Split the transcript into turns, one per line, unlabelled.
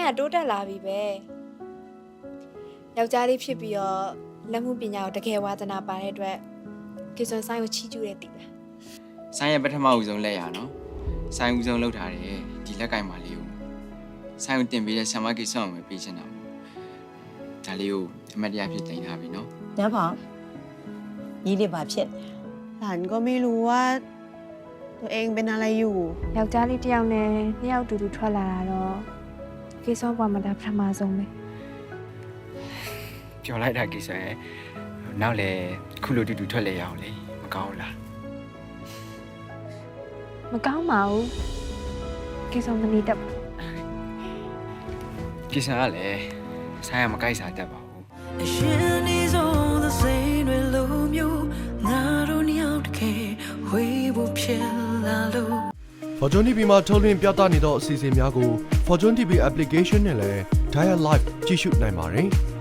တိုးတက်လာပြီပဲယောက်ျားလေးဖြစ်ပြီးတော့လက်မှုပညာကိုတကယ်ဝါသနာပါတဲ့အတွက်ကေဆွန်ဆိုင်ကိုချီးကျူးတဲ့တည်လား
ဆိုင်ရဲ့ပထမဦးဆုံးလက်ရနော်ဆိုင်ဦးဆုံးလောက်ထားတယ်ဒီလက်ကင်ပါလေးကိုဆိုင်ကိုတင်ပေးတဲ့ဆံမကိစ္စအောင်ပဲပေးချင်တာမို့ဒါလေးကိုအမတ်တရားဖြစ်တင်ထားပြီနော်
น้าพ่อยี่เรียบาဖြစ်
หลานก็ไม่รู้ว่าตัวเองเป็นอะไรอยู่
ယောက်ျားလေးတစ်ယောက်နဲ့နှစ်ယောက်တူတူထွက်လာတာတော့ကေဆွန်ဘွားမှာဒါပထမဆုံးပဲ
ပြောလိုက်တာကိစ္စရဲ့နောက်လေခုလိုတူတူထွက်လေရအောင်လေမကောင်းလား
မကောင်းပါဘူးကေဆွန်မနေတတ်ဘူး
ကိစ္စကလည်းဆိုင်ကမကိုက်စားတတ်ပါဘူး
အရှင်ဒီဆုံးသစိမ်းတွေလိုမျိုးငါတို့နှစ်ယောက်တကယ်ဝေးဖို့ဖြစ်လာလို့
Fortune TV မှာထုတ်လွှင့်ပြသနေသောအစီအစဉ်များကို Fortune TV application နဲ့လည်း Dial Live ကြည့်ရှုနိုင်ပါတယ်။